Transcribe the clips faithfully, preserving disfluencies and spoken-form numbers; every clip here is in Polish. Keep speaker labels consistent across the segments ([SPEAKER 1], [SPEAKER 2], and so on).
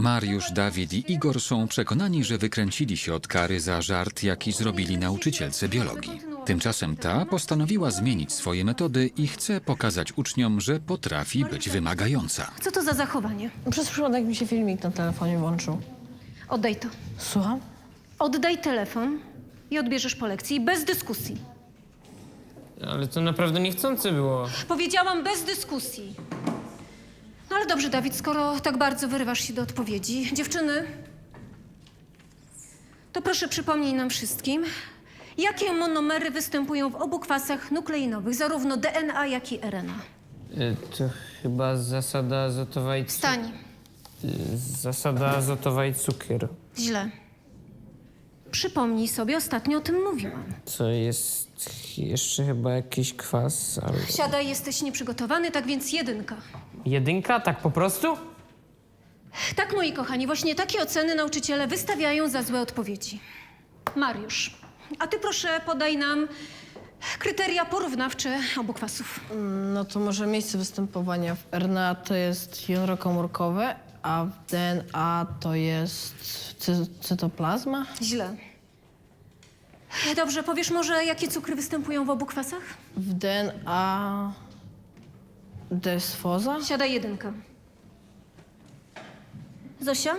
[SPEAKER 1] Mariusz, Dawid i Igor są przekonani, że wykręcili się od kary za żart, jaki zrobili nauczycielce biologii. Tymczasem ta postanowiła zmienić swoje metody i chce pokazać uczniom, że potrafi być wymagająca.
[SPEAKER 2] Co to za zachowanie?
[SPEAKER 3] Przez przypadek mi się filmik na telefonie włączył.
[SPEAKER 2] Oddaj to.
[SPEAKER 3] Słucham?
[SPEAKER 2] Oddaj telefon i odbierzesz po lekcji bez dyskusji.
[SPEAKER 4] Ale to naprawdę niechcące było.
[SPEAKER 2] Powiedziałam bez dyskusji. No ale dobrze, Dawid, skoro tak bardzo wyrywasz się do odpowiedzi. Dziewczyny, to proszę przypomnij nam wszystkim, jakie monomery występują w obu kwasach nukleinowych, zarówno D N A, jak i R N A.
[SPEAKER 4] Y, To chyba zasada azotowa i... cu-
[SPEAKER 2] Wstań.
[SPEAKER 4] y, Zasada azotowa i cukier.
[SPEAKER 2] Źle. Przypomnij sobie, ostatnio o tym mówiłam.
[SPEAKER 4] Co jest jeszcze chyba jakiś kwas, ale...
[SPEAKER 2] Siadaj, jesteś nieprzygotowany, tak więc jedynka.
[SPEAKER 4] Jedynka? Tak po prostu?
[SPEAKER 2] Tak, moi kochani, właśnie takie oceny nauczyciele wystawiają za złe odpowiedzi. Mariusz, a ty proszę podaj nam kryteria porównawcze obu kwasów.
[SPEAKER 3] No to może miejsce występowania w R N A to jest jądro komórkowe, a w D N A to jest cy cytoplazma.
[SPEAKER 2] Źle. Dobrze, powiesz może, jakie cukry występują w obu kwasach?
[SPEAKER 3] W D N A desfoza.
[SPEAKER 2] Siadaj jedynka. Zosia?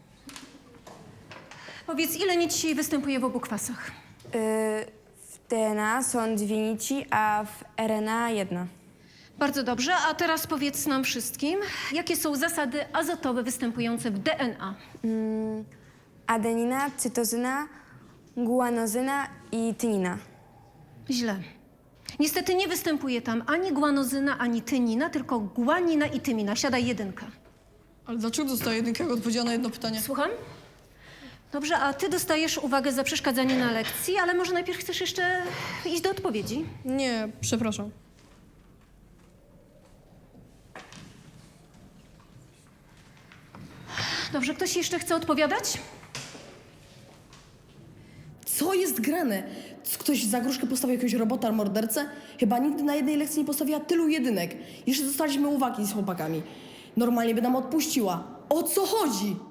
[SPEAKER 2] Powiedz, ile nici występuje w obu kwasach?
[SPEAKER 5] Y, W D N A są dwie nici, a w R N A jedna.
[SPEAKER 2] Bardzo dobrze, a teraz powiedz nam wszystkim, jakie są zasady azotowe występujące w D N A?
[SPEAKER 5] Mm, adenina, cytozyna, guanozyna i tynina.
[SPEAKER 2] Źle. Niestety nie występuje tam ani guanozyna, ani tynina, tylko guanina i tymina. Siadaj jedynka.
[SPEAKER 6] Ale dlaczego dostaję jedynkę, jak odpowiedziała na jedno pytanie?
[SPEAKER 2] Słucham? Dobrze, a ty dostajesz uwagę za przeszkadzanie na lekcji, ale może najpierw chcesz jeszcze iść do odpowiedzi?
[SPEAKER 6] Nie, przepraszam.
[SPEAKER 2] Dobrze, ktoś jeszcze chce odpowiadać?
[SPEAKER 7] Co jest grane? C- Ktoś za gruszkę postawił jakiegoś robota, mordercę? Chyba nigdy na jednej lekcji nie postawiła tylu jedynek. Jeszcze dostaliśmy uwagi z chłopakami. Normalnie by nam odpuściła. O co chodzi?